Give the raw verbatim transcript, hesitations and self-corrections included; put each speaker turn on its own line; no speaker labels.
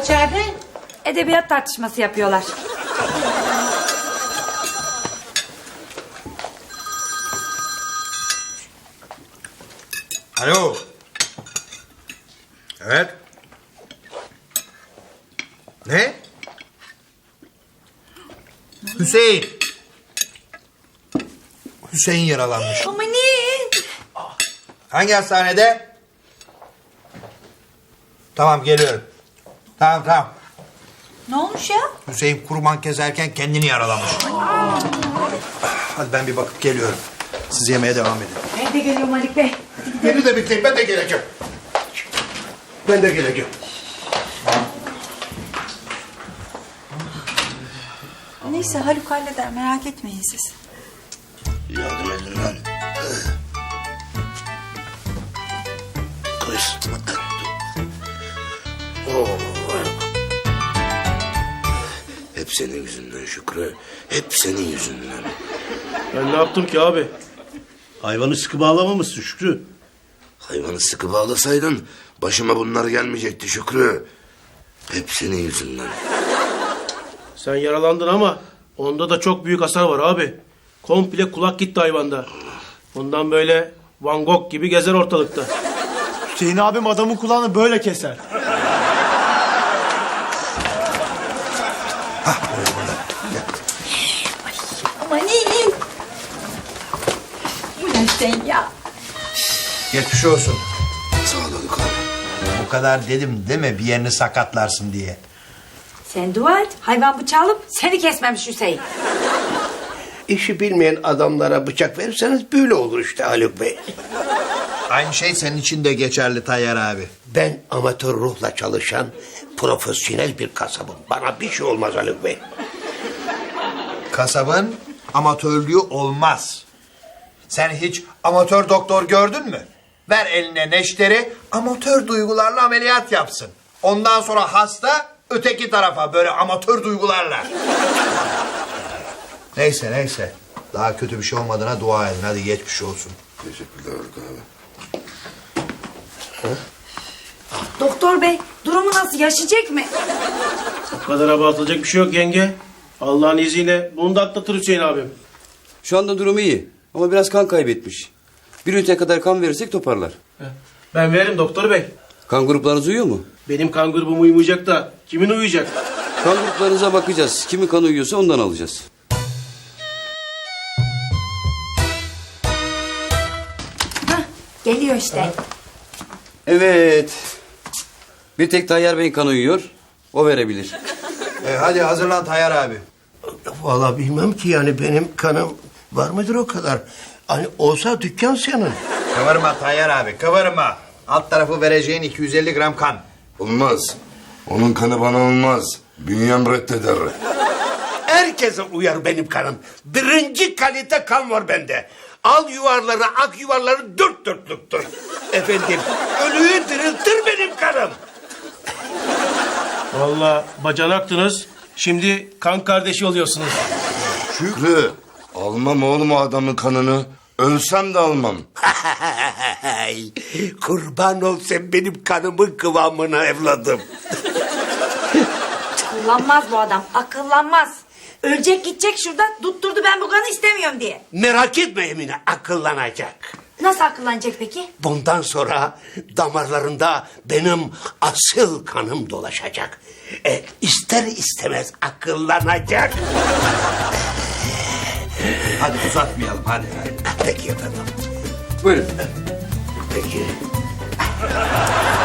içeride?
Edebiyat tartışması yapıyorlar.
Alo. Evet. Ne? Hüseyin. Hüseyin yaralanmış.
Ama ne?
Hangi hastanede? Tamam geliyorum. Tamam tamam.
Ne olmuş ya?
Hüseyin kurban keserken kendini yaralamış. Hadi ben bir bakıp geliyorum. Siz yemeğe devam edin.
Ben de geliyorum Haluk Bey.
Beni de bekleyin, ben de geleceğim. Ben de geleceğim.
Neyse Haluk halleder, merak etmeyin siz.
Yardım edin lan. Kız. Oh. Hep senin yüzünden Şükrü. Hep senin yüzünden.
Ben ne yaptım ki abi? Hayvanı sıkı bağlamamışsın Şükrü.
Hayvanı sıkı bağlasaydın başıma bunlar gelmeyecekti Şükrü. Hep senin yüzünden.
Sen yaralandın ama onda da çok büyük hasar var abi. Komple kulak gitti hayvanda. Ondan böyle Van Gogh gibi gezer ortalıkta.
Hüseyin abim adamın kulağını böyle keser.
Aman iyi. Bu ne Hüseyin ya?
Geçmiş olsun.
Sağ ol Haluk abi.
Bu kadar dedim deme bir yerini sakatlarsın diye.
Sen dua et. Hayvan bıçağı alıp seni kesmemiş Hüseyin.
İşi bilmeyen adamlara bıçak verirseniz böyle olur işte Haluk Bey.
Aynı şey senin için de geçerli Tayyar abi.
Ben amatör ruhla çalışan profesyonel bir kasabım. Bana bir şey olmaz Haluk Bey.
Kasabın amatörlüğü olmaz. Sen hiç amatör doktor gördün mü? Ver eline neşteri, amatör duygularla ameliyat yapsın. Ondan sonra hasta öteki tarafa böyle amatör duygularla. Neyse neyse. Daha kötü bir şey olmadığına dua edin. Hadi geçmiş olsun.
Teşekkürler Haluk abi.
Doktor bey durumu nasıl, yaşayacak mı?
Bu kadar abartılacak bir şey yok yenge. Allah'ın izniyle bunu da atlatır Hüseyin abim.
Şu anda durumu iyi ama biraz kan kaybetmiş. Bir ünite kadar kan verirsek toparlar.
Ben veririm doktor bey.
Kan gruplarınız uyuyor mu?
Benim kan grubum uyumayacak da kimin uyuyacak?
Kan gruplarınıza bakacağız. Kimin kanı uyuyorsa ondan alacağız.
Geliyor işte.
Evet. Bir tek Tayyar Bey'in kanı uyuyor. O verebilir.
E, hadi hazırlan Tayyar abi.
Vallahi bilmem ki yani benim kanım var mıdır o kadar? Hani olsa dükkan senin.
Kıvırma Tayyar abi kıvırma. Alt tarafı vereceğin iki yüz elli gram kan.
Olmaz. Onun kanı bana olmaz. Bünyem reddeder.
Herkese uyar benim kanım. Birinci kalite kan var bende. Al yuvarları, ak yuvarları dört dörtlüktür. Efendim, ölüyü diriltir benim kanım.
Vallahi bacanaktınız. Şimdi kan kardeşi oluyorsunuz.
Şükrü. Almam oğlum o adamın kanını. Ölsem de almam.
Kurban ol sen benim kanımın kıvamına evladım.
Akıllanmaz bu adam, akıllanmaz. Ölecek gidecek şurada, tutturdu ben bu kanı istemiyorum diye.
Merak etme Emine, akıllanacak.
Nasıl akıllanacak peki?
Bundan sonra damarlarında benim asıl kanım dolaşacak. E, ister istemez akıllanacak.
Hadi uzatmayalım hadi. hadi.
Peki efendim.
Buyurun.
Peki.